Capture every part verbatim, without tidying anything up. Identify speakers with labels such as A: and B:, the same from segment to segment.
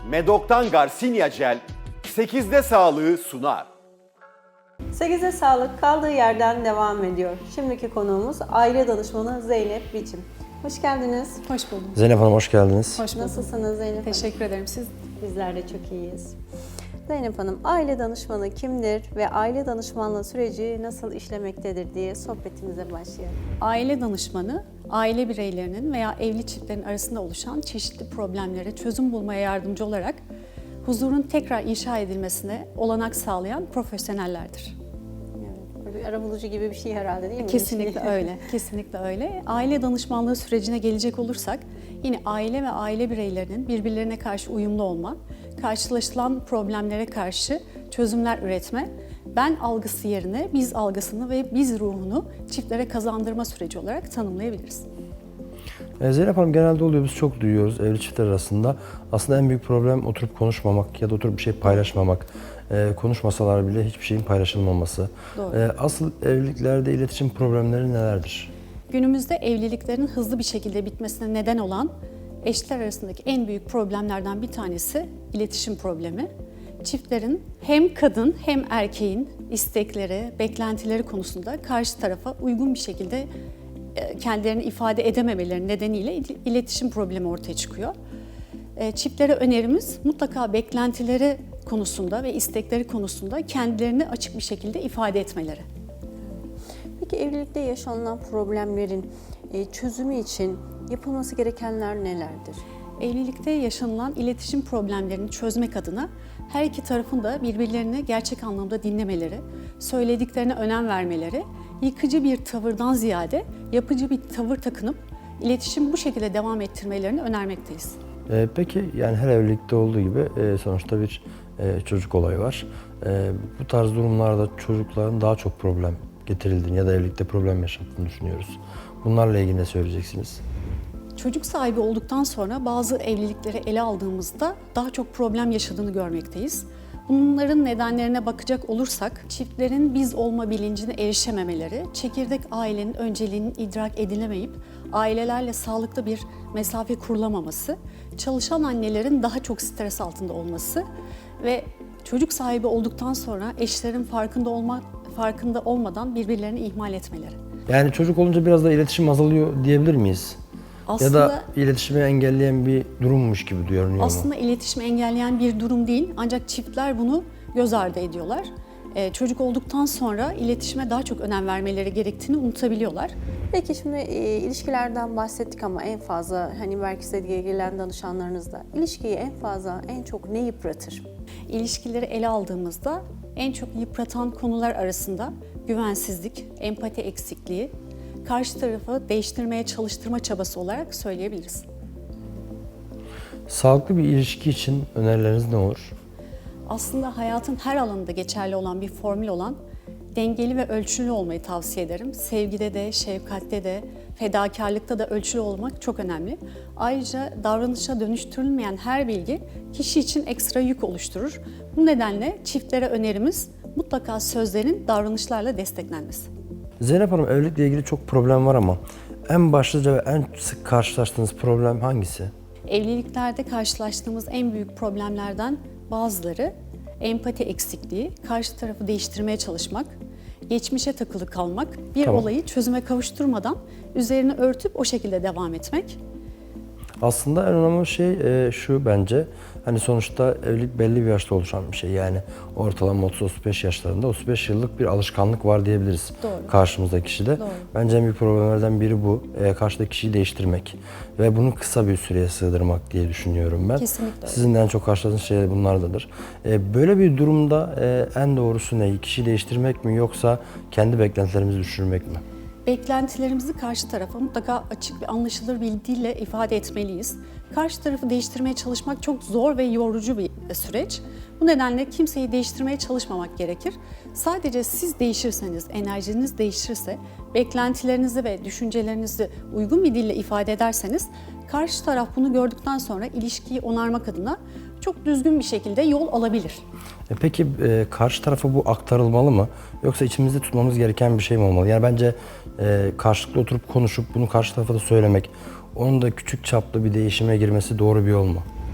A: Medok'tan Garcinia Gel sekizde sağlığı sunar.
B: sekize sağlık kaldığı yerden devam ediyor. Şimdiki konuğumuz aile danışmanı Zeynep Biçim. Hoş geldiniz.
C: Hoş buldum.
D: Zeynep Hanım hoş geldiniz.
C: Hoş buldum.
B: Nasılsınız Zeynep Hanım?
C: Teşekkür ederim. Siz?
B: Bizler de çok iyiyiz. Zeynep Hanım, aile danışmanı kimdir ve aile danışmanlığı süreci nasıl işlemektedir diye sohbetimize başlayalım.
C: Aile danışmanı, aile bireylerinin veya evli çiftlerin arasında oluşan çeşitli problemlere çözüm bulmaya yardımcı olarak huzurun tekrar inşa edilmesine olanak sağlayan profesyonellerdir.
B: Evet, böyle bir arabulucu gibi bir şey herhalde değil mi?
C: Kesinlikle öyle, kesinlikle öyle. Aile danışmanlığı sürecine gelecek olursak, yine aile ve aile bireylerinin birbirlerine karşı uyumlu olma, karşılaşılan problemlere karşı çözümler üretme, ben algısı yerine biz algısını ve biz ruhunu çiftlere kazandırma süreci olarak tanımlayabiliriz.
D: Ee, Zeynep Hanım genelde oluyor, biz çok duyuyoruz evli çiftler arasında. Aslında en büyük problem oturup konuşmamak ya da oturup bir şey paylaşmamak. Ee, konuşmasalar bile hiçbir şeyin paylaşılmaması.
C: Doğru.
D: Ee, asıl evliliklerde iletişim problemleri nelerdir?
C: Günümüzde evliliklerin hızlı bir şekilde bitmesine neden olan eşler arasındaki en büyük problemlerden bir tanesi iletişim problemi. Çiftlerin hem kadın hem erkeğin istekleri, beklentileri konusunda karşı tarafa uygun bir şekilde kendilerini ifade edememeleri nedeniyle iletişim problemi ortaya çıkıyor. Çiftlere önerimiz mutlaka beklentileri konusunda ve istekleri konusunda kendilerini açık bir şekilde ifade etmeleri.
B: Peki evlilikte yaşanılan problemlerin çözümü için yapılması gerekenler nelerdir?
C: Evlilikte yaşanılan iletişim problemlerini çözmek adına her iki tarafın da birbirlerini gerçek anlamda dinlemeleri, söylediklerine önem vermeleri, yıkıcı bir tavırdan ziyade yapıcı bir tavır takınıp iletişimi bu şekilde devam ettirmelerini önermekteyiz.
D: Ee, peki yani her evlilikte olduğu gibi e, sonuçta bir e, çocuk olayı var. E, bu tarz durumlarda çocukların daha çok problem getirildiğini ya da evlilikte problem yaşattığını düşünüyoruz. Bunlarla ilgili ne söyleyeceksiniz?
C: Çocuk sahibi olduktan sonra bazı evlilikleri ele aldığımızda daha çok problem yaşadığını görmekteyiz. Bunların nedenlerine bakacak olursak, çiftlerin biz olma bilincine erişememeleri, çekirdek ailenin önceliğinin idrak edilemeyip ailelerle sağlıklı bir mesafe kurulamaması, çalışan annelerin daha çok stres altında olması ve çocuk sahibi olduktan sonra eşlerin farkında olma, farkında olmadan birbirlerini ihmal etmeleri.
D: Yani çocuk olunca biraz da iletişim azalıyor diyebilir miyiz?
C: Aslında,
D: ya da iletişimi engelleyen bir durummuş gibi görünüyor mu?
C: Aslında iletişimi engelleyen bir durum değil, ancak çiftler bunu göz ardı ediyorlar. Ee, çocuk olduktan sonra iletişime daha çok önem vermeleri gerektiğini unutabiliyorlar.
B: Peki şimdi e, ilişkilerden bahsettik ama en fazla hani belki size gelen danışanlarınızda ilişkiyi en fazla en çok ne yıpratır?
C: İlişkileri ele aldığımızda en çok yıpratan konular arasında güvensizlik, empati eksikliği, karşı tarafı değiştirmeye çalıştırma çabası olarak söyleyebiliriz.
D: Sağlıklı bir ilişki için önerileriniz ne olur?
C: Aslında hayatın her alanında geçerli olan bir formül olan dengeli ve ölçülü olmayı tavsiye ederim. Sevgide de, şefkatte de, fedakarlıkta da ölçülü olmak çok önemli. Ayrıca davranışa dönüştürülmeyen her bilgi kişi için ekstra yük oluşturur. Bu nedenle çiftlere önerimiz mutlaka sözlerin davranışlarla desteklenmesi.
D: Zeynep Hanım, evlilikle ilgili çok problem var ama en başlıca ve en sık karşılaştığınız problem hangisi?
C: Evliliklerde karşılaştığımız en büyük problemlerden bazıları empati eksikliği, karşı tarafı değiştirmeye çalışmak, geçmişe takılı kalmak, bir
D: Tamam.
C: olayı çözüme kavuşturmadan üzerini örtüp o şekilde devam etmek.
D: Aslında en önemli şey e, şu bence, hani sonuçta evlilik belli bir yaşta oluşan bir şey. Yani ortalama otuz otuz beş yaşlarında otuz beş yıllık bir alışkanlık var diyebiliriz.
C: Doğru.
D: Karşımızdaki kişide.
C: Doğru.
D: Bence en büyük problemlerden biri bu. E, karşıdaki kişiyi değiştirmek ve bunu kısa bir süreye sığdırmak diye düşünüyorum ben.
C: Kesinlikle öyle.
D: Sizin de en çok karşılaştığınız şeyler bunlardadır. E, böyle bir durumda e, en doğrusu ne? Kişiyi değiştirmek mi yoksa kendi beklentilerimizi düşürmek mi?
C: Beklentilerimizi karşı tarafa mutlaka açık ve anlaşılır bir dille ifade etmeliyiz. Karşı tarafı değiştirmeye çalışmak çok zor ve yorucu bir süreç. Bu nedenle kimseyi değiştirmeye çalışmamak gerekir. Sadece siz değişirseniz, enerjiniz değişirse, beklentilerinizi ve düşüncelerinizi uygun bir dille ifade ederseniz, karşı taraf bunu gördükten sonra ilişkiyi onarmak adına çok düzgün bir şekilde yol alabilir.
D: E Peki e, karşı tarafa bu aktarılmalı mı? Yoksa içimizde tutmamız gereken bir şey mi olmalı? Yani bence e, karşılıklı oturup konuşup bunu karşı tarafa da söylemek, onun da küçük çaplı bir değişime girmesi doğru bir yol mu?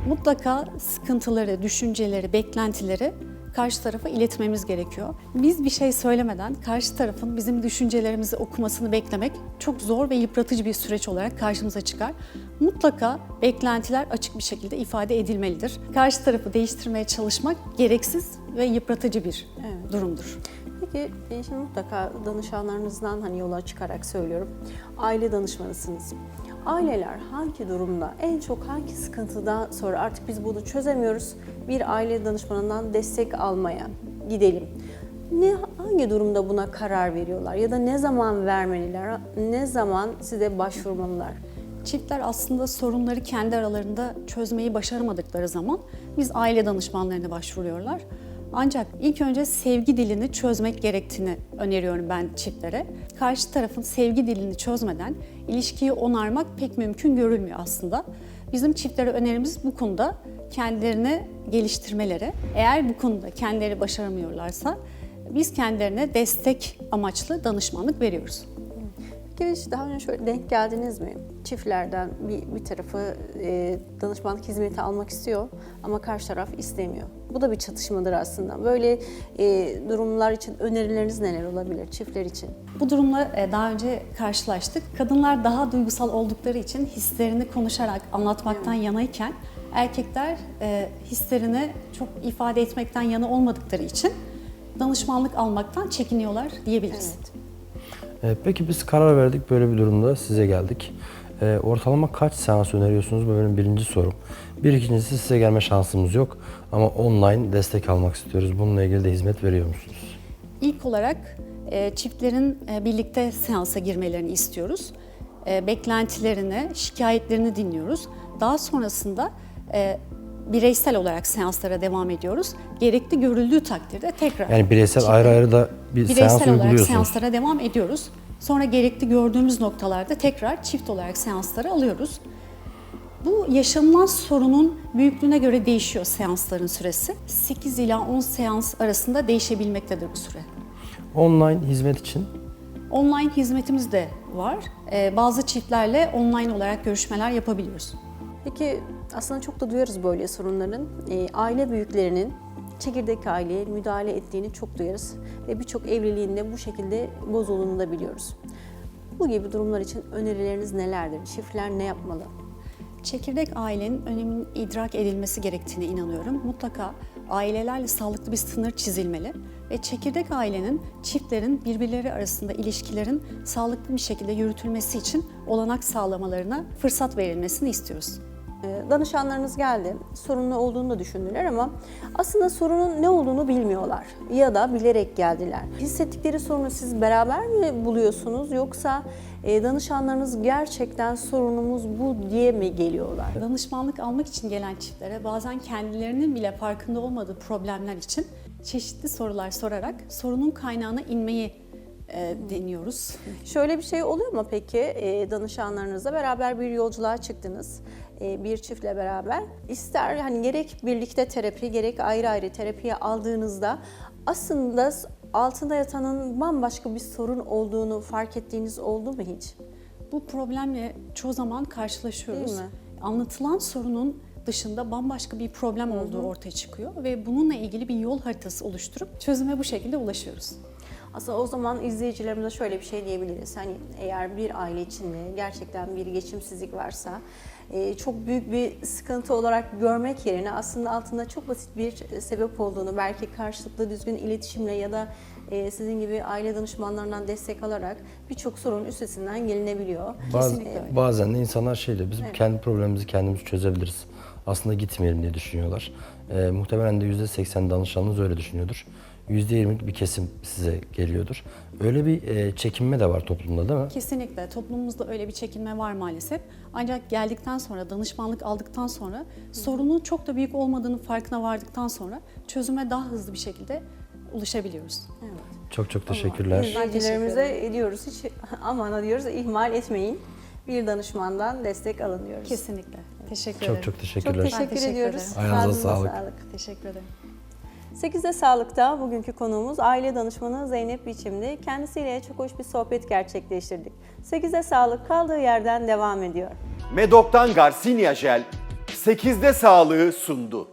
C: Mutlaka sıkıntıları, düşünceleri, beklentileri karşı tarafa iletmemiz gerekiyor. Biz bir şey söylemeden karşı tarafın bizim düşüncelerimizi okumasını beklemek çok zor ve yıpratıcı bir süreç olarak karşımıza çıkar. Mutlaka beklentiler açık bir şekilde ifade edilmelidir. Karşı tarafı değiştirmeye çalışmak gereksiz ve yıpratıcı bir
B: Evet.
C: durumdur.
B: Peki e, şimdi mutlaka danışanlarınızdan hani yola çıkarak söylüyorum. Aile danışmanısınız. Aileler hangi durumda, en çok hangi sıkıntıdan sonra artık biz bunu çözemiyoruz, bir aile danışmanından destek almaya gidelim. Ne, hangi durumda buna karar veriyorlar ya da ne zaman vermeliler, ne zaman size başvurmalılar?
C: Çiftler aslında sorunları kendi aralarında çözmeyi başaramadıkları zaman biz aile danışmanlarına başvuruyorlar. Ancak ilk önce sevgi dilini çözmek gerektiğini öneriyorum ben çiftlere. Karşı tarafın sevgi dilini çözmeden ilişkiyi onarmak pek mümkün görülmüyor aslında. Bizim çiftlere önerimiz bu konuda kendilerini geliştirmeleri. Eğer bu konuda kendileri başaramıyorlarsa biz kendilerine destek amaçlı danışmanlık veriyoruz.
B: Peki hiç daha önce şöyle denk geldiniz mi? Çiftlerden bir, bir tarafı e, danışmanlık hizmeti almak istiyor ama karşı taraf istemiyor. Bu da bir çatışmadır aslında. Böyle e, durumlar için önerileriniz neler olabilir çiftler için?
C: Bu durumla e, daha önce karşılaştık. Kadınlar daha duygusal oldukları için hislerini konuşarak anlatmaktan yanayken erkekler e, hislerini çok ifade etmekten yana olmadıkları için danışmanlık almaktan çekiniyorlar diyebiliriz.
B: Evet.
D: Ee, Peki biz karar verdik, böyle bir durumda size geldik. Ee, ortalama kaç seans öneriyorsunuz? Bu benim birinci sorum. Bir ikincisi, size gelme şansımız yok ama online destek almak istiyoruz. Bununla ilgili de hizmet veriyor musunuz?
C: İlk olarak e, çiftlerin e, birlikte seansa girmelerini istiyoruz. E, beklentilerini, şikayetlerini dinliyoruz. Daha sonrasında e, bireysel olarak seanslara devam ediyoruz. Gerekli görüldüğü takdirde tekrar
D: Yani bireysel
C: çiftlerin-
D: ayrı ayrı da bir seans
C: bireysel olarak
D: uyguluyorsunuz.
C: seanslara devam ediyoruz. Sonra gerekli gördüğümüz noktalarda tekrar çift olarak seansları alıyoruz. Bu yaşanılan sorunun büyüklüğüne göre değişiyor seansların süresi. sekiz ila on seans arasında değişebilmektedir bu süre.
D: Online hizmet için
C: Online hizmetimiz de var. Ee, bazı çiftlerle online olarak görüşmeler yapabiliyoruz.
B: Peki aslında çok da duyarız böyle sorunların. E, aile büyüklerinin çekirdek aileye müdahale ettiğini çok duyarız. Ve birçok evliliğinde bu şekilde bozulduğunu da biliyoruz. Bu gibi durumlar için önerileriniz nelerdir? Çiftler ne yapmalı?
C: Çekirdek ailenin öneminin idrak edilmesi gerektiğine inanıyorum. Mutlaka ailelerle sağlıklı bir sınır çizilmeli ve çekirdek ailenin, çiftlerin birbirleri arasında ilişkilerin sağlıklı bir şekilde yürütülmesi için olanak sağlamalarına fırsat verilmesini istiyoruz.
B: E, danışanlarınız geldi, sorunlu olduğunu da düşündüler ama aslında sorunun ne olduğunu bilmiyorlar ya da bilerek geldiler. Hissettikleri sorunu siz beraber mi buluyorsunuz yoksa e, danışanlarınız gerçekten sorunumuz bu diye mi geliyorlar?
C: Danışmanlık almak için gelen çiftlere bazen kendilerinin bile farkında olmadığı problemler için çeşitli sorular sorarak sorunun kaynağına inmeyi e, deniyoruz.
B: Şöyle bir şey oluyor mu peki e, danışanlarınızla beraber bir yolculuğa çıktınız e, bir çiftle beraber ister hani gerek birlikte terapi gerek ayrı ayrı terapiye aldığınızda aslında altında yatanın bambaşka bir sorun olduğunu fark ettiğiniz oldu mu hiç?
C: Bu problemle çoğu zaman karşılaşıyoruz.
B: Değil mi?
C: Anlatılan sorunun dışında bambaşka bir problem olduğu ortaya çıkıyor ve bununla ilgili bir yol haritası oluşturup çözüme bu şekilde ulaşıyoruz.
B: Aslında o zaman izleyicilerimize şöyle bir şey diyebiliriz. Hani eğer bir aile içinde gerçekten bir geçimsizlik varsa e, çok büyük bir sıkıntı olarak görmek yerine aslında altında çok basit bir sebep olduğunu belki karşılıklı düzgün iletişimle ya da e, sizin gibi aile danışmanlarından destek alarak birçok sorunun üstesinden gelinebiliyor.
D: Baz-
C: Kesinlikle öyle.
D: bazen de insanlar şey diyor, biz kendi problemimizi kendimiz çözebiliriz. Aslında gitmeyelim diye düşünüyorlar. Ee, muhtemelen de yüzde seksen danışanınız öyle düşünüyordur. yüzde yirmilik bir kesim size geliyordur. Öyle bir e, çekinme de var toplumda, değil mi?
C: Kesinlikle toplumumuzda öyle bir çekinme var maalesef. Ancak geldikten sonra, danışmanlık aldıktan sonra sorunun çok da büyük olmadığının farkına vardıktan sonra çözüme daha hızlı bir şekilde ulaşabiliyoruz.
B: Evet.
D: Çok çok teşekkürler.
B: İzleyicilerimize ediyoruz hiç aman diyoruz ihmal etmeyin. Bir danışmandan destek alın diyoruz.
C: Kesinlikle. Teşekkür
D: Çok
C: ederim.
D: çok
B: Çok
D: teşekkürler.
B: teşekkür,
C: Ben teşekkür
B: ediyoruz.
C: ederim.
D: Ayağınıza
B: Ağzınıza
D: sağlık.
C: Teşekkür ederim.
B: sekizde Sağlık'ta bugünkü konuğumuz aile danışmanı Zeynep Biçim'di. Kendisiyle çok hoş bir sohbet gerçekleştirdik. sekizde Sağlık kaldığı yerden devam ediyor.
A: Medok'tan Garcinia Jel sekizde sağlığı sundu.